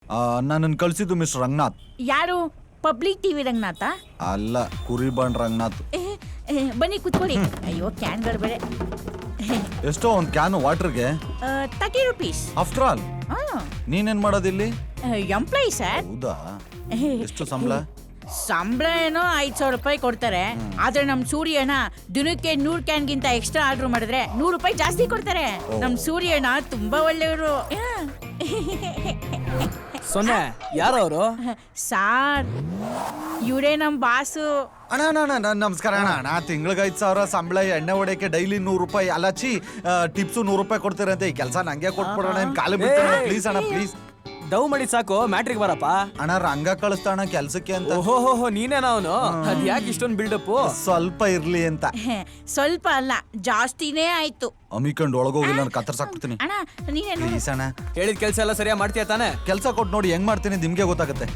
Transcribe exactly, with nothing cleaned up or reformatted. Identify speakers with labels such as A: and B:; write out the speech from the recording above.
A: ನನ್ನನ್ನು ಕಳಿಸಿದ್ದು ಮಿಸ್ಟರ್ ರಂಗನಾಥ್.
B: ಯಾರು? Public TV Ranganatha?
A: ಅಲ್ಲ, ಕುರಿಬಾಣ್ ರಂಗನಾಥ್.
B: ಏ, ಏ, ಬನ್ನಿ ಕುತ್ಕೊಳ್ಳಿ. ಅಯ್ಯೋ ಕ್ಯಾನ್ಗಳು ಬೇರೆ.
A: ಎಷ್ಟೋ ಒಂದು ಕ್ಯಾನ್ ವಾಟರ್ಗೆ
B: ತರ್ಟಿ ರುಪೀಸ್.
A: ಆಫ್ಟರ್ ಆಲ್ ನೀನೇನ್ ಮಾಡೋದಿಲ್ಲಿ?
B: Employee sir.
A: ಹೌದಾ? ಎಷ್ಟು ಸಂಬಳ?
B: ಸಂಬಳ ಏನೋ ಐದ್ ಸಾವಿರ ರೂಪಾಯಿ ಕೊಡ್ತಾರೆ. ಆದ್ರೆ ನಮ್ ಸೂರ್ಯನ ದಿನಕ್ಕೆ ನೂರ್ ಕ್ಯಾನ್ಗಿಂತ ಎಕ್ಸ್ಟ್ರಾ ಆರ್ಡರ್ ಮಾಡಿದ್ರೆ ನೂರು ರೂಪಾಯಿ ಜಾಸ್ತಿ ಕೊಡ್ತಾರೆ. ನಮ್ ಸೂರ್ಯನ ತುಂಬಾ ಒಳ್ಳೆಯವರು.
C: ಸೊನ್ನೆ ಯಾರವರು?
B: ಸಾರ್, ಇವರೇ ನಮ್ ಬಾಸು.
A: ಅಣ್ಣ ಅಣ್ಣ ಅಣ್ಣ ನಮಸ್ಕಾರ ಅಣ್ಣ. ಅಣ್ಣ ತಿಂಗಳಿಗೆ ಐದು ಸಾವಿರ ಸಂಬಳ, ಎಣ್ಣೆ ಹೊಡೆಯಕ್ಕೆ ಡೈಲಿ ನೂರು ರೂಪಾಯಿ ಅಲಚಿ ಟಿಪ್ಸು ನೂರು ರೂಪಾಯಿ ಕೊಡ್ತೀರಂತೆ. ಈ ಕೆಲಸ ನಂಗೆ ಕೊಟ್ಬಿಡೋಣ, ನಿಮ್ ಕಾಲು ಬಿಡ್ತೀನಿ ಪ್ಲೀಸ್ ಅಣ್ಣ, ಪ್ಲೀಸ್.
C: ಡವ್ ಮಾಡಿ ಸಾಕು, ಮ್ಯಾಟ್ರಿಕ್ ಬರಪ್ಪ.
A: ಅಣ್ಣ ರಂಗ ಕಳಿಸ್ತಾಣ ಕೆಲ್ಸಕ್ಕೆ ಅಂತ.
C: ಓಹೋ ನೀನೇನ ಅವನು? ಅದ್ ಯಾಕೆ ಇಷ್ಟೊಂದು ಬಿಲ್ಡಪ್?
A: ಸ್ವಲ್ಪ ಇರ್ಲಿ ಅಂತ.
B: ಸ್ವಲ್ಪ ಅಲ್ಲ, ಜಾಸ್ತಿನೇ ಆಯ್ತು.
A: ಅಮಿಕಂಡ್ ಒಳಗೋಗಿ ನಾನು ಕತ್ತರ್ಸಾಕ್ಬಿಡ್ತೀನಿ.
B: ಅಣ್ಣ ನೀನೇನು
A: ಪ್ಲೀಸ್ ಅಣ್ಣ.
C: ಹೇಳಿದ ಕೆಲಸ ಎಲ್ಲ ಸರಿಯಾಗಿ ಮಾಡ್ತೀಯ ತಾನೆ?
A: ಕೆಲಸ ಕೊಟ್ಟು ನೋಡಿ ಹೆಂಗ್ ಮಾಡ್ತೀನಿ ನಿಮ್ಗೆ ಗೊತ್ತಾಗುತ್ತೆ.